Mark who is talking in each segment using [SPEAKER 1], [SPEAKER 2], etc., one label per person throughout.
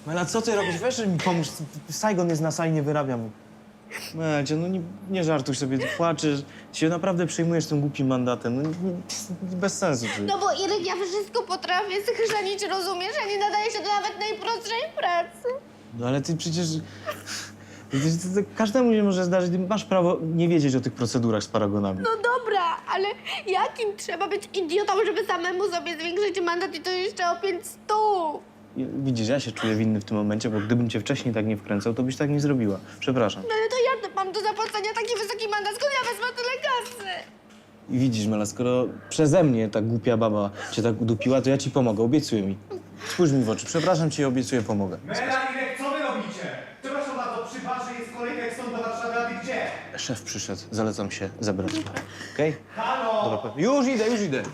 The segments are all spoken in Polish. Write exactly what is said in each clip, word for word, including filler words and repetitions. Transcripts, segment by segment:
[SPEAKER 1] Mela, co ty robisz? Weź mi pomóż. Saigon jest na sali, nie wyrabiam. Melcia, no nie, nie żartuj sobie, ty płaczesz. Się naprawdę przejmujesz tym głupim mandatem. No, nie, bez sensu. Ty.
[SPEAKER 2] No bo Irek, ja wszystko potrafię schrzanić, rozumiesz? Ja nie nadaję się do nawet najprostszej pracy.
[SPEAKER 1] No ale ty przecież... Przecież to, to każdemu się może zdarzyć. Ty masz prawo nie wiedzieć o tych procedurach z paragonami.
[SPEAKER 2] No dobra, ale jakim trzeba być idiotą, żeby samemu sobie zwiększyć mandat i to jeszcze o pięć stów?
[SPEAKER 1] Widzisz, ja się czuję winny w tym momencie, bo gdybym cię wcześniej tak nie wkręcał, to byś tak nie zrobiła. Przepraszam.
[SPEAKER 2] No ale to ja mam do zapłacenia taki wysoki mandat, skąd ja wezmę tyle kasy?
[SPEAKER 1] I widzisz, Mela, skoro przeze mnie ta głupia baba cię tak udupiła, to ja ci pomogę, obiecuję mi. Spójrz mi w oczy, przepraszam cię i obiecuję, pomogę.
[SPEAKER 3] Mela, Irek, co wy robicie? Przepraszam bardzo, przy barze jest kolejka jak stąd do Warszawy, a wy gdzie?
[SPEAKER 1] Szef przyszedł, zalecam się zebrać. Okej?
[SPEAKER 3] Halo!
[SPEAKER 1] Dobra, pewnie. Już idę, już idę.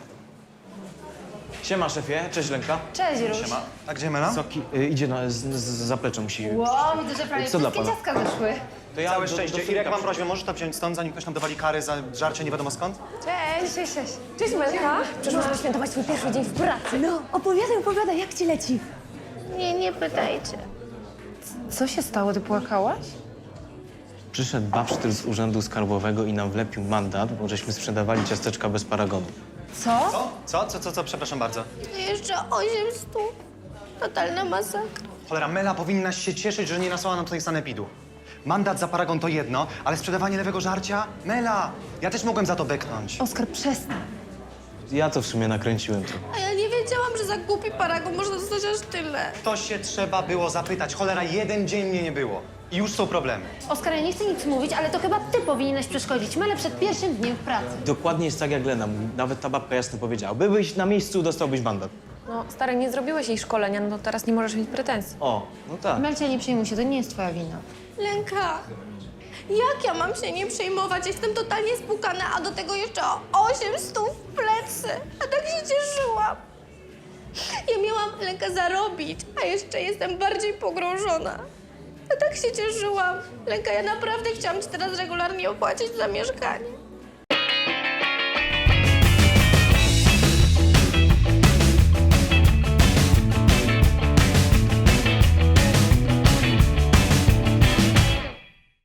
[SPEAKER 1] Siema, szefie. Cześć, Lenka.
[SPEAKER 4] Cześć, Ruś.
[SPEAKER 3] Siema. A gdzie Mela?
[SPEAKER 1] Soki, y, idzie na z, z zaplecze, musi...
[SPEAKER 4] Wow, widzę, że prawie
[SPEAKER 1] Co dla
[SPEAKER 4] wszystkie
[SPEAKER 1] pana?
[SPEAKER 4] ciastka wyszły.
[SPEAKER 1] To ja
[SPEAKER 3] Całe
[SPEAKER 1] do- do
[SPEAKER 3] szczęście.
[SPEAKER 1] Fryka
[SPEAKER 3] Irek, mam
[SPEAKER 1] przy-
[SPEAKER 3] prośbę, możesz to wziąć stąd, zanim ktoś nam dowali kary za żarcie nie wiadomo skąd?
[SPEAKER 4] Cześć, cześć, cześć. Cześć, Melka. Przyszłam świętować swój pierwszy dzień w pracy.
[SPEAKER 5] No, opowiadaj, opowiadaj, jak ci leci?
[SPEAKER 2] Nie, nie pytajcie.
[SPEAKER 4] Co się stało? Ty płakałaś?
[SPEAKER 1] Przyszedł babsztyr z urzędu skarbowego i nam wlepił mandat, bo żeśmy sprzedawali ciasteczka bez paragonu.
[SPEAKER 4] Co?
[SPEAKER 3] Co? Co? Co, co, co? Przepraszam bardzo.
[SPEAKER 2] Jeszcze osiem stów. Totalna masakra.
[SPEAKER 3] Cholera, Mela powinnaś się cieszyć, że nie nasłała nam tutaj sanepidu. Mandat za paragon to jedno, ale sprzedawanie lewego żarcia? Mela! Ja też mogłem za to beknąć.
[SPEAKER 4] Oskar, przestań.
[SPEAKER 1] Ja to w sumie nakręciłem trochę.
[SPEAKER 2] A ja nie wiedziałam, że za głupi paragon można dostać aż tyle.
[SPEAKER 3] To się trzeba było zapytać. Cholera, jeden dzień mnie nie było. I już są problemy.
[SPEAKER 5] Oskar, ja nie chcę nic mówić, ale to chyba ty powinieneś przeszkodzić Mele przed pierwszym dniem w pracy.
[SPEAKER 1] Dokładnie jest tak, jak Lena mówi. Nawet ta babka jasno powiedziała. Byłeś na miejscu, dostałbyś mandat.
[SPEAKER 4] No, stary, nie zrobiłeś jej szkolenia, no to teraz nie możesz mieć pretensji.
[SPEAKER 1] O, no tak.
[SPEAKER 5] Melcia, nie przejmuj się, to nie jest twoja wina.
[SPEAKER 2] Lęka, jak ja mam się nie przejmować? Jestem totalnie spłukana, a do tego jeszcze o osiem stów w plecy. A tak się cieszyłam. Ja miałam Lęka zarobić, a jeszcze jestem bardziej pogrążona. A tak się cieszyłam. Lęka, ja naprawdę chciałam ci teraz regularnie opłacić za mieszkanie.